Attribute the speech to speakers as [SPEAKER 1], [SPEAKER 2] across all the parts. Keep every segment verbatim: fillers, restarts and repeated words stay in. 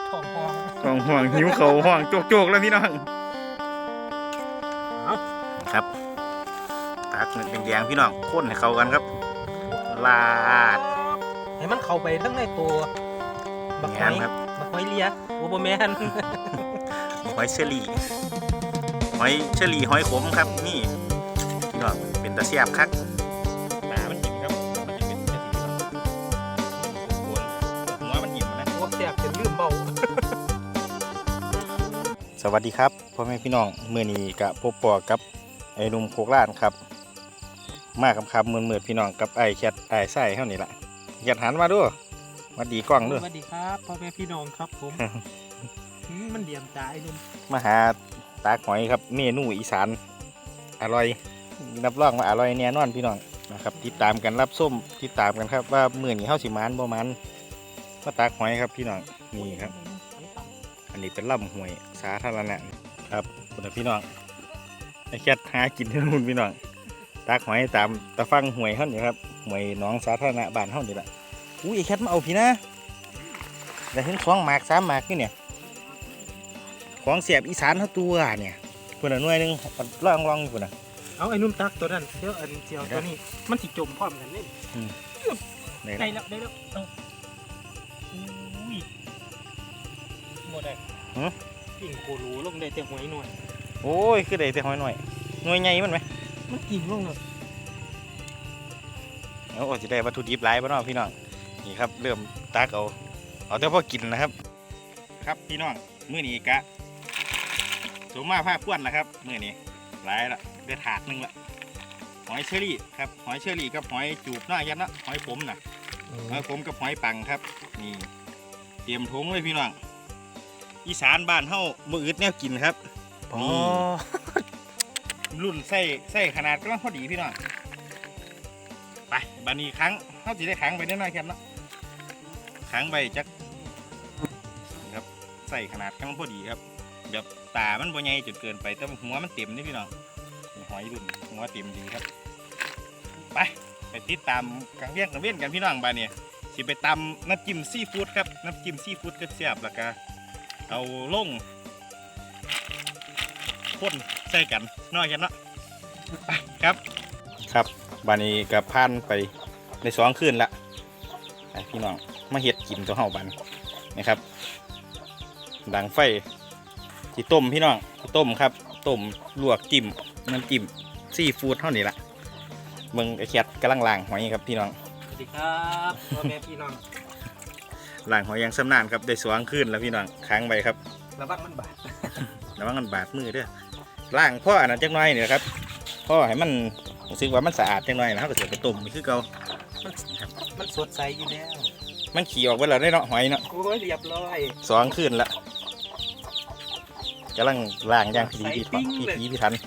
[SPEAKER 1] ของห่วง
[SPEAKER 2] ของห่วงหิวเขาห่วงโจกๆแล้วพี่น้องครับตักแดงๆพี่น้องข้นให้เข้ากันครับลาด
[SPEAKER 1] ให้มันเข้าไปทั้งในตัวบักไม้
[SPEAKER 2] ครับ
[SPEAKER 1] บักไม้เลียโอ้โหแมน
[SPEAKER 2] หอยเชอรี่หอยเชอรี่หอยขมครับนี่พี่น้องเป็นตะเสียบคักตามันหยิบครับมันจะเป็นจะสีครับหัวมันหยิบนะ
[SPEAKER 1] โอ้แสบจนลืมเบา
[SPEAKER 2] สวัสดีครับพ่อแม่พี่น้องเมื่อนี้กับพบปอกับไอ้หนุ่มโคกล้านครับมาคำคำเมื่อเมื่อพี่น้องกับไอ้แคทไอ้ไส้เท่านี้แหละแคทหันมาด้วยมาดีกล้องด้วย
[SPEAKER 1] สวัสดีครับพ่อแม่พี่น้องครับผม มันเดี่ยมตาไอ้นุ่ม
[SPEAKER 2] มาหาตาหอยครับเมนูอีสานอร่อยรับรองว่าอร่อยแน่นอนพี่น้องนะครับติดตามกันรับส้มติดตามกันครับว่าเมื่อนี้เข้าสิมานบ่มันมาตาหอยครับพี่น้องนี่ครับอันนี้เป็นลำห้วยสาธารณะครับคุณพี่น้องไอ้แคทหากินที่นู่นพี่น้องตาหอยตามตะฟังห้วยเขาเนี่ยครับห้วยหนองสาธารณะบ้านเขานี่แหละอุ้ยไอ้แคทมาเอาพี่นะได้ถึงสองหมากสามหมากนี่เนี่ยของเสียบอีสานเขาตัวเนี่ยคนละหน่วยหนึ่งลองลองคนละ
[SPEAKER 1] เอาไอ้นุ่มตักตัวนั้นเดี๋ยวอันเจียวตัวนี้มันสิจมพร้อมกันนี่ได้แล้วได้แล้วเอาอุ้ยหมดเลยกิ่งโครูลงได้แต่หอยหน่อย
[SPEAKER 2] โอ้ยคือได้แต่หอยหน่อยหน่วยใหญ่มันไหม
[SPEAKER 1] มันกิ่งลงเลย
[SPEAKER 2] เอาจะได้วัตถุดิบหลายบ้านพี่น้องนี่ครับเริ่มตักเอาเอาแต่พอกินนะครับครับพี่น้องมื้อนี้กะสมมาผ้าควนแล้วครับมื้อนี้หลายละได้ถาดนึงละหอยเชอรี่ครับหอยเชอรี่กับหอยจูบหน้ายันนะหอยขมน่ะหอยขมกับหอยปังครับนี่เตรียมถุงเลยพี่น้องอีสานบ้านเฮามื้ออึดแนวกินครับนี่รุ่นไส้ไส้ขนาดกำลังพอดีพี่น้องไปบัดนี้ครั้งเฮาสิได้ขังไปนิดหน่อยครับเนาะขังไปจักครับใส่ขนาดกำลังพอดีครับแบบตามันบ่ใหญ่จนเกินไปแต่หัวมันเต็มนี่พี่น้องหอยรุ่นหัวเต็มดีครับไปไปติดตามกังเวียนกังเวียนกันพี่น้องบ้านเนี่ยสิไปตำน้ำจิ้มซีฟู้ดครับน้ำจิ้มซีฟู้ดก็แซ่บแล้วก็เอาลงข้นใส่กันน้อยกันเนาะไปครับครับบ้านนี้กับพันไปในสองคืนละไปพี่น้องมาเห็ดกินตัวเห่าบันนะครับดังไฟที่ต้มพี่น้องต้มครับต้มลวกจิ้มน้ำจิ้มซีฟู้ดเท่านี้ละเมืองไอแคทกำลังล้างหอยครับพี่น้อง
[SPEAKER 1] สวัสดีครับพ่อแม่พี่น้อง
[SPEAKER 2] ล้างหอยยังสำนานครับได้สว่างขึ้นแล้วพี่น้องค้างไปครับ
[SPEAKER 1] ระวังมันบาด
[SPEAKER 2] ระวังมันบาดมือด้วยล้างพ่ออันนั้นจังน้อยเนี่ยครับพ่อให้มันรู้สึกว่ามันสะอาดจังน้อยนะครับก็เสียไปต้มนี่คือเก่า
[SPEAKER 1] มันมันสดใสอยู่แล้ว
[SPEAKER 2] มันขี่ออกไปแล้วได้เนาะหอยเนาะ
[SPEAKER 1] โอ้ยเรียบร้อย
[SPEAKER 2] สว่างขึ้นละกำลังล้างย่างพีพีพีพีพีทัน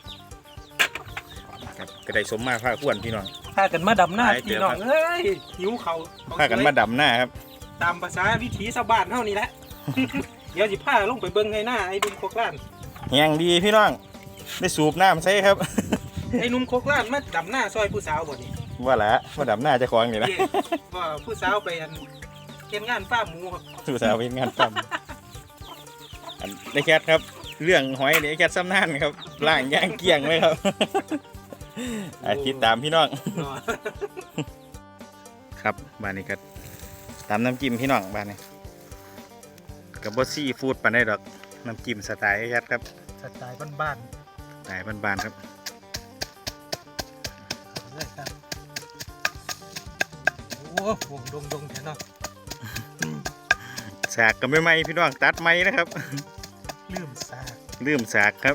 [SPEAKER 2] ก็ได้สมมาผ้าขวนพี่น้อง
[SPEAKER 1] พากันมาดำหน้าพี่น้องเฮ้ยหิวเขา
[SPEAKER 2] พากันมาดำหน้าครับ
[SPEAKER 1] ตามภาษาวิถีชาวบ้านเท่านี้แหละเดี๋ยวสิพาลงไปเบิ้งในหน้าไอ้นุ่มโคกล้าน
[SPEAKER 2] แห้งดีพี่น้องได้สูบน้ำใช่ครับ
[SPEAKER 1] ไอ้นุ่มโคกล้านมาดำหน้าซอยผู้สาวบ่นี่
[SPEAKER 2] ว่าละมาดำหน้าจะคล้องนี่นะ
[SPEAKER 1] ว่าผู้สาวไปเฮ็ดงานฟาร์มหมูครับ
[SPEAKER 2] ผู้สาวไปงานฟาร์มอันได้แคทครับเรื่องหอยได้แคทซ้ำนั่นครับล่างย่างเกี่ยงเลยครับติดตามพี่น้องครับบ้านนี้ก็ตามน้ำจิ้มพี่น้องบ้านนี้กับบอสซี่ฟู้ดปานได้ดอกน้ำจิ้มสไตล์แคทครับ
[SPEAKER 1] สไตล์บ้าน
[SPEAKER 2] ๆสไตล์บ้านๆครับ
[SPEAKER 1] โอ้โหดงดงแค่นั้น
[SPEAKER 2] สากก็ไม่ไหมพี่น้องตัดไหมนะครับ
[SPEAKER 1] ลืมสาก
[SPEAKER 2] ลืมสากครับ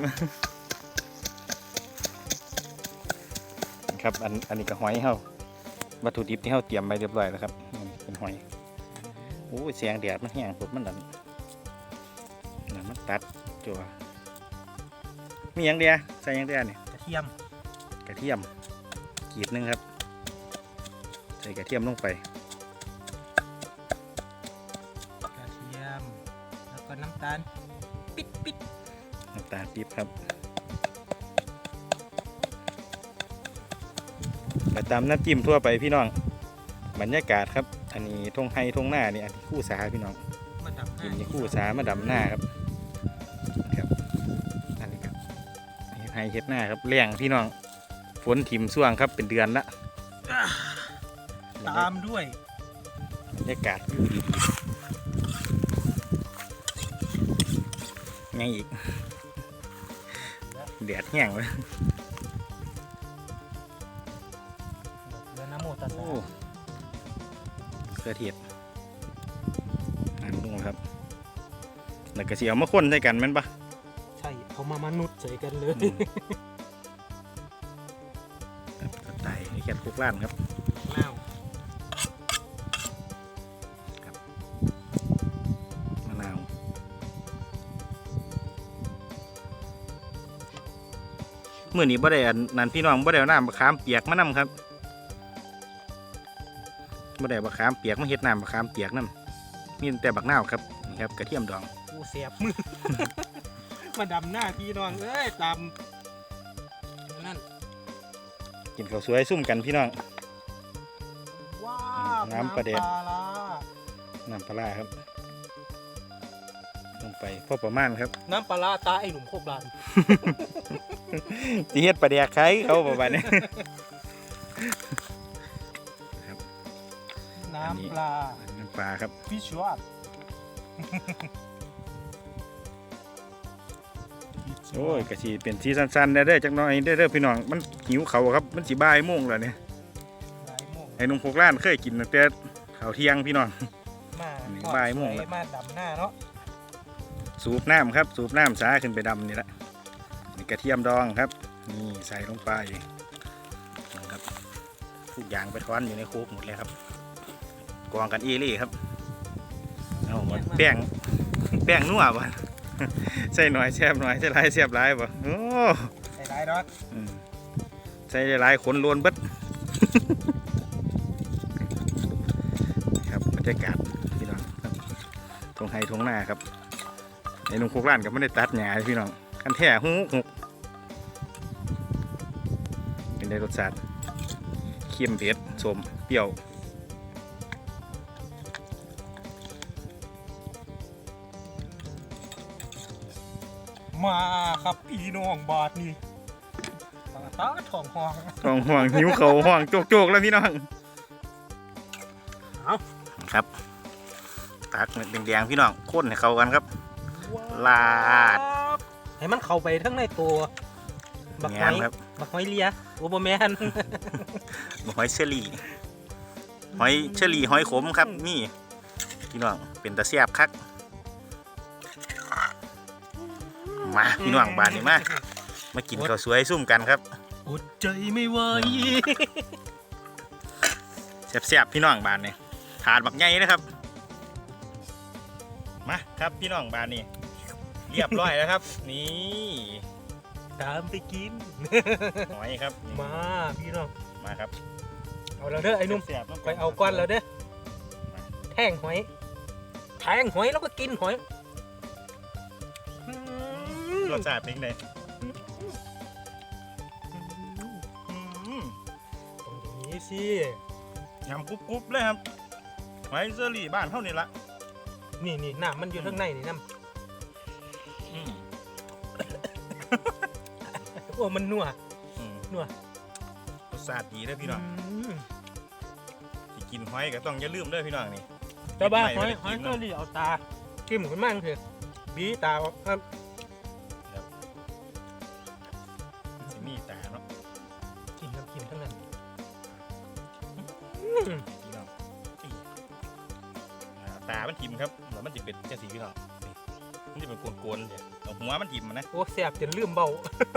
[SPEAKER 2] ครับอันอันนี้ก็หอยเฮาวัตถุดิบที่เฮาเตรียมไปเรียบร้อยแล้วครับเป็นหอยโอ้แสงแดดมันแห้งสุดมันดันนั่นมันตัดจั่วมีอย่างเดียวใส่อย่างเดียวนี่
[SPEAKER 1] กระเทียม
[SPEAKER 2] กระเทียมกีบนึงครับใส่กระเทียมลงไป
[SPEAKER 1] กระเทียมแล้วก็น้ำตาลปิดปิด
[SPEAKER 2] น้ำตาลปี๊บครับไปตามน้ำจิ้มทั่วไปพี่น้องบรรยากาศครับอันนี้ทงไฮทงหน้านี่อันนี้คู่สาพี่น้อง
[SPEAKER 1] มาดับห
[SPEAKER 2] กิ
[SPEAKER 1] น้าน
[SPEAKER 2] ยาคู่สามาดำหน้าครับครับอันนี้ครับให้เฮ็ดหน้าครับเลี้ยงพี่น้องฝนถิ่มส่วงครับเป็นเดือนละ
[SPEAKER 1] ตามด้วย
[SPEAKER 2] บรรยากาศอยู่ดีๆไงอีกแดดแห้งเลย
[SPEAKER 1] เรือน้ำโมตัส
[SPEAKER 2] โอ้
[SPEAKER 1] สะ
[SPEAKER 2] เกลือเทียดอันนู้นครับแล้วก็สิเอามาคนใส่กันแม่นปะ
[SPEAKER 1] ใช่เอามามนุษย์ใส่กันเลย
[SPEAKER 2] ครับไต่ให้แค่คุกล้านครับ
[SPEAKER 1] น้าว
[SPEAKER 2] มะนาวเมื่อนี้บ่ได้อันนั่นพี่น้องบ่ได้เอาน้ำมะขามเปียกมานำครับบ่ได้มะขามเปียกมาเฮ็ดน้ำมะขามเปียกนำมีแต่บักนาวครับนี่ครับกระเทียมดอง
[SPEAKER 1] กูเสียบมือ มาดำหน้าพี่น้องเอ้ยตามนั่น
[SPEAKER 2] กินข้าวสวยซุ่มกันพี่น้อง
[SPEAKER 1] ว้าว
[SPEAKER 2] น้ำปลาแดก
[SPEAKER 1] น้ำปลาร้า
[SPEAKER 2] น้ำปลาร้าครับลงไปพอประมาณครับ
[SPEAKER 1] น้ำปลาร้าตาไอ้หนุ่มโคกลาน
[SPEAKER 2] สิเฮ็ดปลาแดกไข่เขาประมาณนี้
[SPEAKER 1] น้ำปลา
[SPEAKER 2] น้ำปลาครับ
[SPEAKER 1] ฟิชวอต
[SPEAKER 2] โอ้ยกะสิเป็นสีสั้นๆได้เด้อจักหน่อยได้เด้อพี่น้องมันหิวเขาวครับมันสิบ่ายโมงแล้วเนี่ย
[SPEAKER 1] หลายโมง
[SPEAKER 2] ไอ้หนุ่มพวกร้านเคยกินตั้งแต่ข้าวเที่ยงพี่น้อง
[SPEAKER 1] มา
[SPEAKER 2] หนึ่ง
[SPEAKER 1] ทอด
[SPEAKER 2] บ่ายโมง
[SPEAKER 1] สว
[SPEAKER 2] แล้ว
[SPEAKER 1] มาดำหน้าเนาะ
[SPEAKER 2] สูบน้ำครับสูบน้ำสาขึ้นไปดำนี่แหละนี่กระเทียมดองครับนี่ใส่ลงไปนะครับทุกอย่างไปท้อนอยู่ในโคกหมดเลยครับกองกันเอเล่ครับเอาหมดแป้งแป้งนัวบ่ ใส่หน่อยแซ่บหน่อยใส่หลายแซ่บหลายบ่โอ้
[SPEAKER 1] ใส่ได้ดอก
[SPEAKER 2] อืมใส่หลายขนล้วนเบิด ครับบรรยากาศพี่น้องครับทงไฮทงหน้าครับในนุ่งคุกร้านก็ไม่ได้ตัดหญ้าเลยพี่น้องกันแท้หูหกเป็นได้รสชาติเค็มเผ็ดสมเปรี้ยว
[SPEAKER 1] มาครับพี่น้องบาทนี่ปลาตาทองหอง
[SPEAKER 2] ท้องห่วงหิวเขาห่วงโจกๆแล้วพี่น้อง
[SPEAKER 1] เอา
[SPEAKER 2] ครับตักแดงๆพี่น้องข้นให้เข้ากันครับ ลาด
[SPEAKER 1] ให้มันเข้าไปทั้งในตัวบักห
[SPEAKER 2] งา
[SPEAKER 1] อ
[SPEAKER 2] ม
[SPEAKER 1] ย
[SPEAKER 2] ครับ
[SPEAKER 1] บักหอยเลียโอโบแมน
[SPEAKER 2] หอยเชอรี่หอยเชอรี่หอยขมครับนี่พี่น้องเป็นตะเสียบคักมาพี่น้องบานนี่มามากินข้าวสวยซุ่มกันครับ
[SPEAKER 1] อดใจไม่ไหว
[SPEAKER 2] แซ่บๆพี่น้องบานนี่ถาดบักใหญ่นะครับมาครับพี่น้องบานนี่เรียบร้อยแล้วครับ นี่
[SPEAKER 1] ตามไปกิน
[SPEAKER 2] หอยครับนี่
[SPEAKER 1] มาพี่น้อง
[SPEAKER 2] มาครับ
[SPEAKER 1] เอาแล้วเด้อไอ้หนุ่ม
[SPEAKER 2] แซ่บๆ
[SPEAKER 1] ไปเอาก้อนแล้วเด้อแทงหอยแทงหอยแล้วก็กินหอยอืม
[SPEAKER 2] รสชาติเป็นไงอืม
[SPEAKER 1] ตรงนี้สิ
[SPEAKER 2] ยำกรุบๆเลยครับหอยเชอรี่บ้านเท่านี้ละ
[SPEAKER 1] นี่นี่น้ำมันอยู่ข้างในนี่น้
[SPEAKER 2] อืม
[SPEAKER 1] ำโอ้มันนัว
[SPEAKER 2] อืม
[SPEAKER 1] นัว
[SPEAKER 2] รสชาติดีเลยพี่น้อง
[SPEAKER 1] ม
[SPEAKER 2] ที่กินหอยก็ต้องอย่าลืมเด้อพี่น้องนี่
[SPEAKER 1] เจ้าบ้าห
[SPEAKER 2] ไม่
[SPEAKER 1] อย
[SPEAKER 2] ได้
[SPEAKER 1] หอย
[SPEAKER 2] กิน
[SPEAKER 1] ก็
[SPEAKER 2] เนาะ
[SPEAKER 1] รีเอาตาจิ้มขึ้นมาเถอะบีตาออกครับ
[SPEAKER 2] สิมีตาเนาะ
[SPEAKER 1] กินน้ำกินทั้งนั้น
[SPEAKER 2] พี่น้องอีอ่าตามันทิ่มครับแล้วมันจะเป็นจังสีพี่น้องนี่มันจะเป็นโกนๆเดี๋ยวเอาหัวมันทิ่มมันนะ
[SPEAKER 1] โอ้แสบจนลืมเบา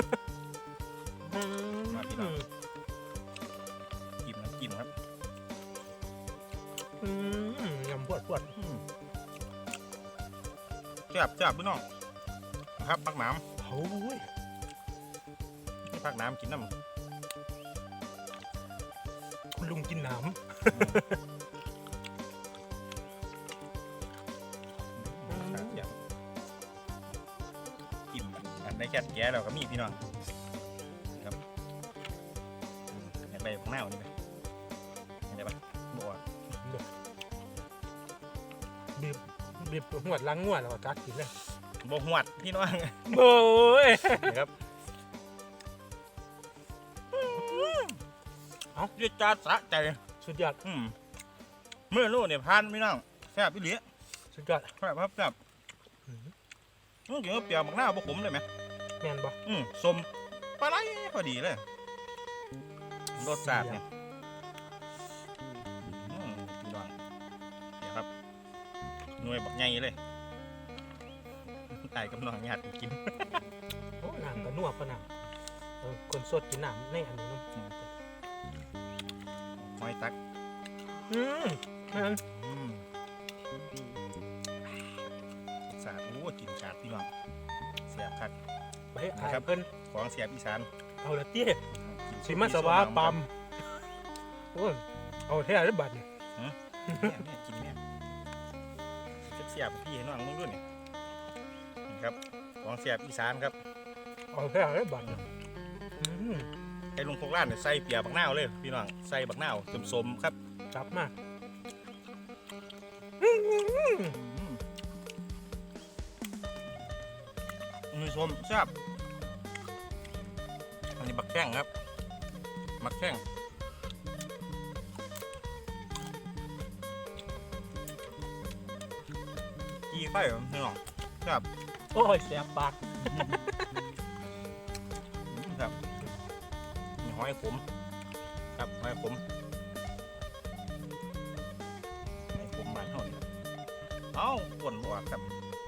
[SPEAKER 2] มาพี่น้อง ทิ่มน้ำจิ้มครับ
[SPEAKER 1] อืมยำปวดปวด
[SPEAKER 2] อืมจับจับพี่น้องนะครับพักน้
[SPEAKER 1] โอ้ย
[SPEAKER 2] ำนี่พักน้ำกินน้ำ
[SPEAKER 1] คุณลุงกินน้
[SPEAKER 2] กินอันได้แค่แก่เราก็มีพี่น้องครับอยากได้ของหน้าวันนี้ไหมอยากได้ปะบัว
[SPEAKER 1] ำดื่มบีบหัวล้างงัวแล้วก็กัดกินเลย
[SPEAKER 2] บกหวดพี่น้อง
[SPEAKER 1] โอ้ย
[SPEAKER 2] นะครับเอาเรียกจาสะใจ
[SPEAKER 1] สุดยอด
[SPEAKER 2] อืมเมื่อนู้นเนี่ยพานพี่น้องแซ่บพี่เหลีย
[SPEAKER 1] สุดยอด
[SPEAKER 2] แซ่บครับแซ่บอืมกินกับเปรี้ยวมักหน้าบกขมเลยไหม
[SPEAKER 1] แม่นบ่
[SPEAKER 2] อืมสมปลาไหลพอดีเลยรสชาติเนี่ยอืมพี่น้องเดี๋ยวครับหน่วยบักใหญ่เลยตายกับน้องญาติกิน
[SPEAKER 1] โอ้น้ำก็นัวปะน้ำเออคนสดกินน้ำในอันนี้เนาะ
[SPEAKER 2] หอยตัก
[SPEAKER 1] อืมนั่น
[SPEAKER 2] อืมสาดโอ้กินสาดพี่น้องเสียบคัก
[SPEAKER 1] ไปอายเพิ่น
[SPEAKER 2] ของเสียบอีสาน
[SPEAKER 1] เอาละเตี้ย
[SPEAKER 2] กิน
[SPEAKER 1] สิมาสวาปั๊มโอ้ยเอาแท้ได้บัดนี่
[SPEAKER 2] เนี่ยเนี่ยกินเนี่ยเสียบๆพี่ให้น้องมึงด้วยนี่นี่ครับของเสียบอีสานครับ
[SPEAKER 1] เอาแท้ได้บัดนี่อืม
[SPEAKER 2] ไอ้ลุงพกร้านเนี่ยใส่เปียบักนาวเลยพี่น้องใส่บักนาวสมๆครับ
[SPEAKER 1] จับมา
[SPEAKER 2] มือชมแซ่บอันนี้บักแข้งครับบักแข้งกีไฟเหรอพี่น้องแซ่บ
[SPEAKER 1] โอ้ยแสบปาก
[SPEAKER 2] ครับมีหอยขมครับหอยขมหอยขมมันเท่านี้เอ้าปวดหัวครับ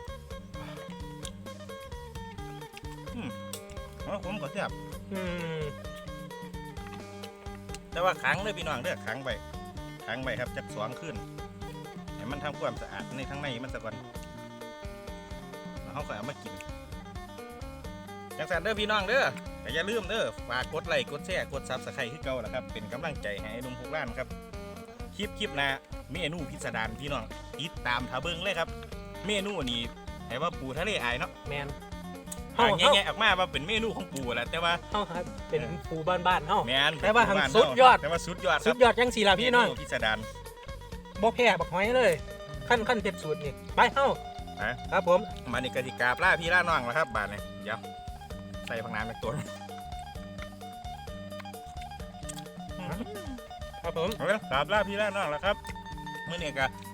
[SPEAKER 2] อืมหอยขมก็แซ่บ
[SPEAKER 1] อืม
[SPEAKER 2] แต่ว่าขังเลยพี่น้องเด้อขังไปขังไปครับจักสองขึ้นให้มันทำความสะอาดในทั้งในมันซะก่อนแล้วเขาก็เอามากินจังสันเด้อพี่น้องเด้อแต่อย่าลืมเด้อฝากกดไลค์กดแชร์กดซับสไครต์ขึ้นเก่าแล้วครับเป็นกำลังใจให้ไอ้หนุ่มพวกร้านครับคลิปคลิปหน้าเมนูพิสดารพี่น้องติดตามทาเบิ้งเลยครับเมนูนี้ให้ว่าปูทะเลอายเนาะ
[SPEAKER 1] แมน
[SPEAKER 2] อ่า
[SPEAKER 1] เฮา
[SPEAKER 2] แง่ๆออกมาว่าเป็นเมนูของปูแหละแต่ว่า
[SPEAKER 1] เฮาครับเป็นปูบ้านๆเฮา
[SPEAKER 2] แมน
[SPEAKER 1] แต่ว่า
[SPEAKER 2] เป็นปูบ้น
[SPEAKER 1] สุดยอด
[SPEAKER 2] แต่ว่าสุดยอดค
[SPEAKER 1] สุ
[SPEAKER 2] รับ
[SPEAKER 1] ดยอดจังสี่ล่ะพี่น้อง
[SPEAKER 2] เมพิสดาร
[SPEAKER 1] บ่แพ้บักหอยเลยขั้นขั้นเต็มสูตรนี่ไปเฮา
[SPEAKER 2] ฮะ
[SPEAKER 1] ครับผม
[SPEAKER 2] มาในกติกาปลาพี่ล่าน้องแล้วครับบาทเนี่ยเดี๋ยวใส่ผักน้ำในตัว
[SPEAKER 1] ครับผม
[SPEAKER 2] เอาละครับล่าพี่ล่าน้องแล้วครับเมื่อนี้ก็